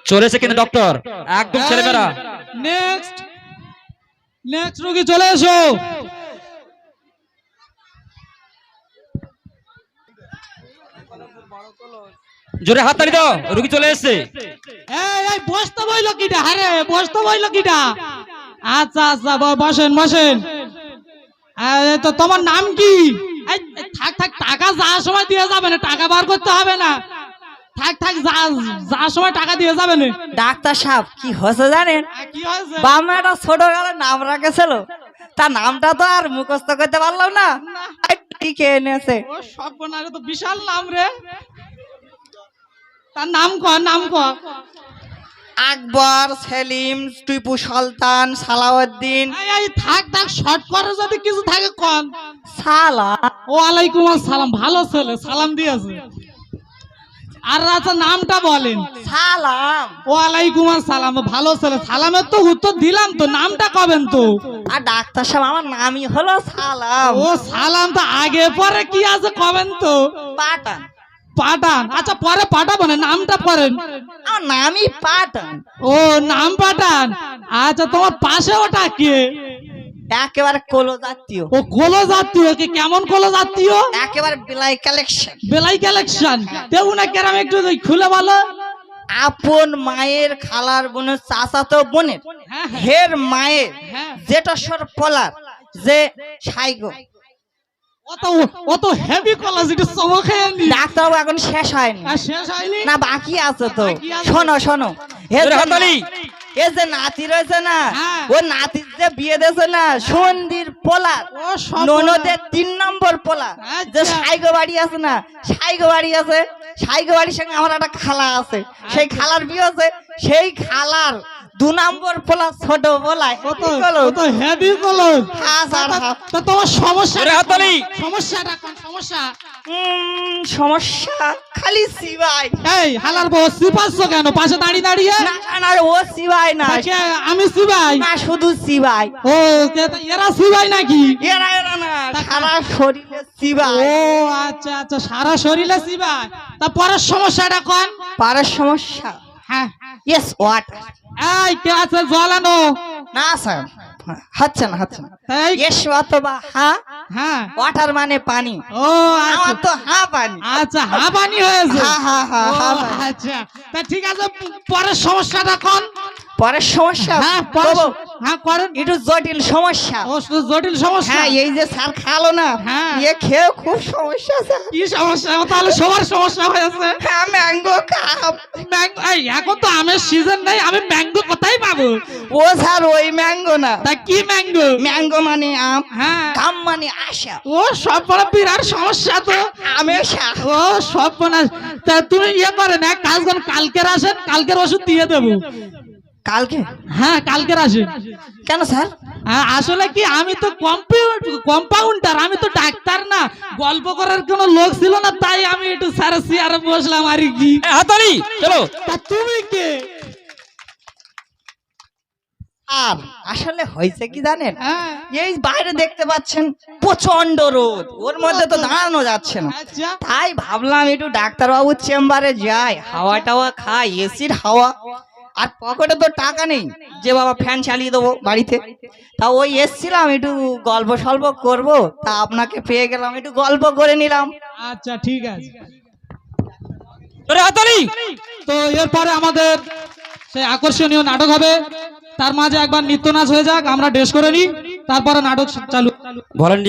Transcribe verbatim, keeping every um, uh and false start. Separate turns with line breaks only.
চলেছে কিন্তু ডক্টর একদম ছেলেমেয়েরা।
নেক্সট নেক্সট রোগী চলে এসো।
জোরে হাততালি দাও, রোগী চলে এসেছে।
এই এই বসতে বইলো কিটা? আরে বসতে বইলো কিটা? আচ্ছা আচ্ছা বসেন বসেন। তো তোমার নাম কি? এই থাক থাক, টাকা যাওয়ার সময় দিয়ে যাবে না, টাকা বার করতে হবে না। থাক থাক, যাওয়ার সময় টাকা দিয়ে যাবে না।
ডাক্তার সাহেব কি হয়েছে জানেন?
কি হয়েছে?
বামে একটা ছোট গালের নাম রাখেছিল, তার নামটা তো আর মুখস্থ করতে পারলাম না, টিকে এনেছে।
ও সর্বনাশ, তো বিশাল নাম রে। তার নাম ক, নাম ক।
আকবর, সেলিম, টিপু সুলতান, সালাউদ্দিন।
এই এই থাক থাক, শর্ট করে যদি কিছু থাকে কোন।
সালা।
ওয়ালাইকুম আসসালাম, ভালো ছেলে, সালাম দিয়েছে। আর আচ্ছা নামটা বলেন।
সালাম।
ওয়ালাইকুম আসসালাম, ভালো ছেলে, সালামের তো উত্তর দিলাম, তো নামটা কবেন তো?
আর ডাক্তার সাহেব আমার নামই হলো সালাম।
ও সালাম, তো আগে পরে কি আছে কবেন তো?
পাঠান।
পাঠান, আচ্ছা পরে পাঠাবো না, নামটা পড়েন।
আমার নামই পাঠান।
ও নাম পাঠান। আচ্ছা তোমার পাশে ওটা কে?
একেবারে কোলো জাতীয়।
ও কোলো জাতীয়, কি কেমন কোলো জাতীয়?
একেবারে বিলাই কালেকশন।
বেলাই কালেকশন, দেবো না কেরাম, একটু খুলে বলো।
আপন মায়ের খালার বোনের চাচাতো বোনের
হ্যাঁ, হ্যাঁ।
হের মায়ের
হ্যাঁ।
জেঠস্বর পলার যে সাইগো।
অত অত হেভি কলেজ, এটা চমকায়নি।
ডাক্তারবাবু এখন শেষ হয়নি,
আর শেষ হয়নি
না বাকি আছে তো।
বাকি আছে।
শোনো শোনো, এ
জোরে
যে
হাততালি।
না- এ যে নাতি রয়েছে না,
হ্যাঁ।
ও নাতির যে বিয়ে দিয়েছে না সন্ধির পোলার,
ও সব
ননদের তিন নম্বর পোলা যে
আচ্ছা।
সাইগো বাড়ি আছে না, সাইগো বাড়ি আছে, সাইগো বাড়ির সঙ্গে আমার একটা খালা আছে, সেই খালার বিয়ে আছে, সেই খালার দু নম্বর পোলা ছোট পোলা।
কত কত হেভি কলেজ।
হাস আর হাস।
তো তোমার সমস্যা,
জোরে হাততালি।
সমস্যাটা কোন সমস্যা?
উম, সমস্যা খালি সিবাই।
এই হালার বউ সিপাচ্ছ কেন পাশে দাঁড়িয়ে দাঁড়িয়ে?
না না, ও সিবাই না,
কে, আমি সিবাই?
না শুধু সিবাই।
ও কে- এরা সিবাই নাকি?
এরা এরা না, সারা শরীরে সিবাই।
ও আচ্ছা আচ্ছা, সারা শরীরে সিবাই। তা পরের সমস্যাটা কোন?
পাড়ার সমস্যা।
হ্যাঁ।
Yes what.
এই কে আছে জল আনো।
না স্যার, হচ্ছে না হচ্ছে না।
এই
ইয়েস অথবা হ্যাঁ,
হ্যাঁ।
ওয়াটার মানে পানি।
ও
আমার
আচ্ছা
তো হ্যাঁ পানি।
আচ্ছা, হাবানি হয়েছে।
হ্যাঁ হ্যাঁ হ্যাঁ
ও,
হ্যাঁ পানি।
আচ্ছা তা ঠিক আছে, পরের সমস্যাটা কোন?
পরের সমস্যা।
হ্যাঁ পরের
বাবু,
স- হ্যাঁ করেন।
একটু জটিল সমস্যা।
ও শুধু জটিল সমস্যা।
হ্যাঁ, এই যে স্যার খালো না,
হ্যাঁ।
ইয়ে খেয়ে খুব সমস্যা স্যার।
কি সমস্যা? ও তাহলে সবার সমস্যা হয়েছে।
হ্যাঁ, ম্যাঙ্গো খাম।
ম্যাঙ্গো, এই এখন তো আমের সিজন নাই, আমি ম্যাঙ্গো কোথায় পাবো?
ও স্যার ওই ম্যাঙ্গো না,
তা কি ম্যাঙ্গো?
ম্যাঙ্গো মানে আম,
হ্যাঁ।
কাম মানে আশা,
ও সব বড় বিরাট সমস্যা তো।
আমেশা।
ও সব বনাস। তা তুমি ইয়ে করেন, এক কাজ করেন, কালকের আসেন, কালকের ওষুধ দিয়ে দেবো।
কালকে?
হ্যাঁ কালকের আসেন।
কেন স্যার?
হ্যাঁ, আসলে কি আমি তো কম্পাউন্ডার, আমি তো ডাক্তার না, গল্প করার কোনো লোক ছিল না, তাই আমি একটু সারা চেয়ারে বসলাম আর কি।
এ, হাততালি চলো।
তা তুমি কে?
আর আসলে হয়েছে কি জানেন,
হ্যাঁ।
এই বাইরে দেখতে পাচ্ছেন প্রচন্ড রোদ, ওর মধ্যে তো দাঁড়ানো যাচ্ছে না,
আচ্ছা।
তাই ভাবলাম একটু ডাক্তারবাবুর চেম্বারে যাই, হাওয়া টাওয়া খাই, এসির হাওয়া। আর পকেটে তো টাকা নেই যে বাবা ফ্যান চালিয়ে দেবো বাড়িতে, তা ওই এসছিলাম একটু গল্প সল্প করবো, তা আপনাকে পেয়ে গেলাম, একটু গল্প করে নিলাম।
আচ্ছা ঠিক আছে।
জোরে হাততালি।
তো এরপরে আমাদের সেই আকর্ষণীয় নাটক হবে, তার মাঝে একবার নৃত্য নাচ হয়ে যাক, আমরা ড্রেস করে নিই, তারপরে নাটক চালু।
ভলেন্টিয়ার